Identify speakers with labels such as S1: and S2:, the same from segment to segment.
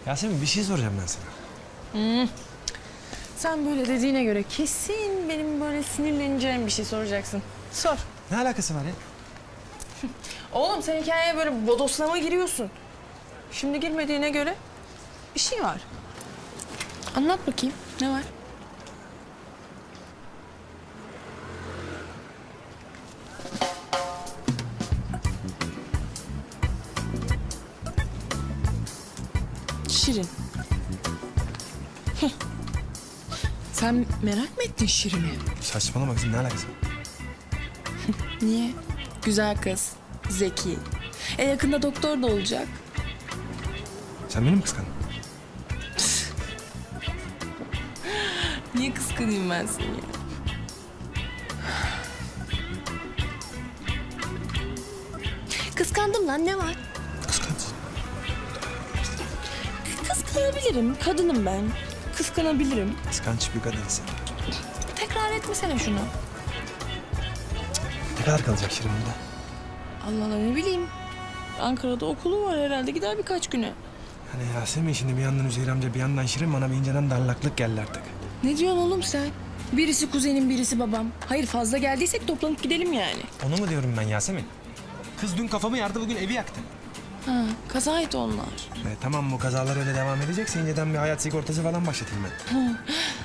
S1: Yasemin bir şey soracağım ben sana.
S2: Sen böyle dediğine göre kesin benim böyle sinirleneceğim bir şey soracaksın. Sor.
S1: Ne alakası var ya?
S2: Oğlum sen hikayeye böyle bodoslama giriyorsun. Şimdi girmediğine göre bir şey var. Anlat bakayım. Ne var? Şirin. Sen merak mı ettin Şirin'i?
S1: Saçmalama kızım, ne alakası var?
S2: Niye? Güzel kız, zeki. Yakında doktor da olacak.
S1: Sen beni mi kıskandın?
S2: Niye kıskanayım ben seni ya? Kıskandım lan, ne var?
S1: Kıskansın.
S2: Kıskanabilirim, kadınım ben. Kıskanabilirim.
S1: Kıskanç bir kadınsın.
S2: Tekrar etmesene şunu.
S1: Ne kadar kalacak Şirin burada?
S2: Allah Allah, ne bileyim. Ankara'da okulu var herhalde, gider birkaç güne.
S1: Hani Yasemin şimdi bir yandan Üzeyir amca bir yandan Şirin bana bir inceden darlaklık geldi artık.
S2: Ne diyorsun oğlum sen? Birisi kuzenim, birisi babam. Hayır, fazla geldiysek toplanıp gidelim yani.
S1: Onu mu diyorum ben Yasemin? Kız dün kafamı yardı, bugün evi yaktı.
S2: Ha, kazaydı onlar.
S1: Tamam, bu kazalar öyle devam edecekse inceden bir hayat sigortası falan başlatayım ben.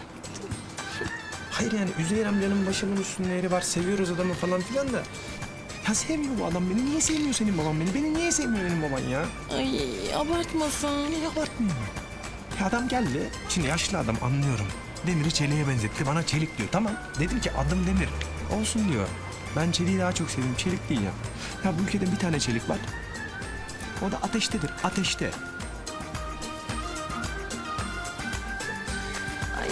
S1: Hayır yani Üzeyir amcanın başımın üstünde yeri var, seviyoruz adamı falan filan da. Ya sevmiyor bu adam beni. Niye sevmiyor senin baban beni? Beni niye sevmiyor benim baban ya?
S2: Ay, abartmasan.
S1: Niye abartmıyor? Ya adam geldi. Şimdi yaşlı adam, anlıyorum. Demir'i çeliğe benzetti. Bana çelik diyor. Tamam. Dedim ki adım Demir. Olsun diyor. Ben çeliği daha çok seviyorum. Çelik değil ya. Ya bu ülkede bir tane çelik var. O da ateştedir. Ateşte.
S2: Ay.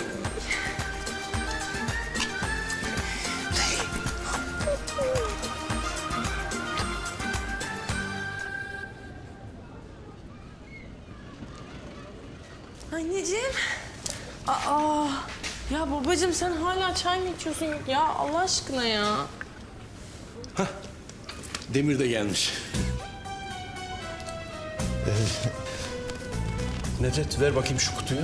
S2: Anneciğim. Aa. Ya babacığım sen hala çay mı içiyorsun ya Allah aşkına ya.
S3: Demir de gelmiş. Nedret ver bakayım şu kutuyu.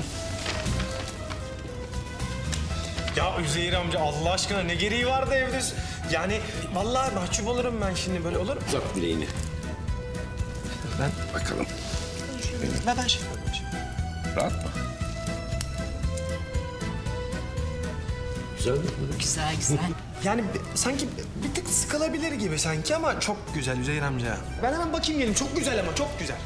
S1: Ya Üzeyir amca Allah aşkına ne gereği vardı evde? Yani vallahi mahcup olurum ben şimdi, böyle olur mu?
S3: Uzat bileğini.
S1: Ben
S3: Bakalım.
S1: ben şey yapıyorum şimdi.
S3: Rahat mı? Güzel mi?
S4: Güzel güzel.
S1: Yani sanki bir tık sıkılabilir gibi sanki ama çok güzel Üzeyir amca. Ben hemen bakayım gelin. Çok güzel ama çok güzel.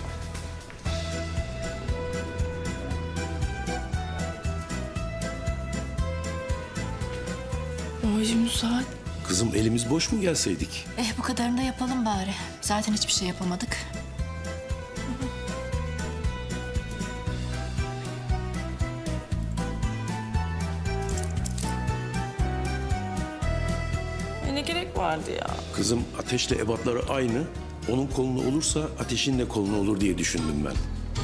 S2: Babacığım bu saat.
S3: Kızım elimiz boş mu gelseydik?
S4: Bu kadarını da yapalım bari. Zaten hiçbir şey yapamadık.
S2: Ne gerek vardı ya?
S3: Kızım ateşle ebatları aynı. Onun kolunu olursa ateşin de kolunu olur diye düşündüm ben.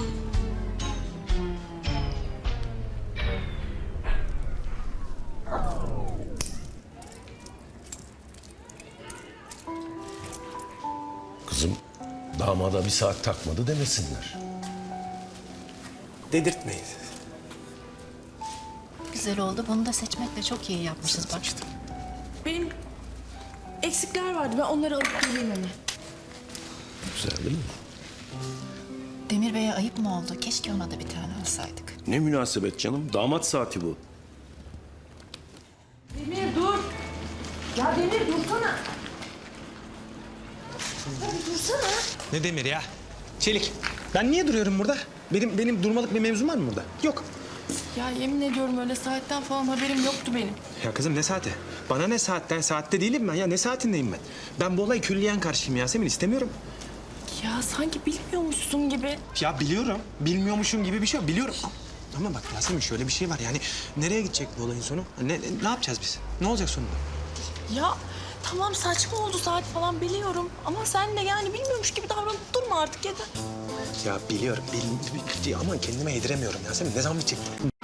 S3: Kızım damada bir saat takmadı demesinler.
S1: Dedirtmeyin.
S4: Güzel oldu. Bunu da seçmekle çok iyi yapmışız bak.
S2: Benim eksikler vardı. Ben onları alıp geleyim hemen.
S3: Güzel değil mi?
S4: Demir Bey'e ayıp mı oldu? Keşke ona da bir tane alsaydık.
S3: Ne münasebet canım. Damat saati bu.
S2: Demir dur. Ya Demir dursana. Ya bir dursana.
S1: Ne demir ya? Çelik. Ben niye duruyorum burada? Benim durmalık bir mevzum var mı burada? Yok.
S2: Ya yemin ediyorum öyle saatten falan haberim yoktu benim.
S1: Ya kızım ne saati? Bana ne saatten? Saatte değilim ben ya. Ne saatindeyim ben? Ben bu olaya külliyen karşıyım Yasemin. İstemiyorum.
S2: Ya sanki bilmiyormuşsun gibi.
S1: Ya biliyorum. Bilmiyormuşum gibi bir şey yok. Biliyorum. Ama bak Yasemin şöyle bir şey var. Yani nereye gidecek bu olayın sonu? Ne yapacağız biz? Ne olacak sonunda?
S2: Ya tamam saçma oldu saat falan biliyorum. Ama sen de yani bilmiyormuş gibi davranıp durma artık yeter.
S1: Ya biliyorum. Ama kendime yediremiyorum Yasemin. Ne zaman bitecek?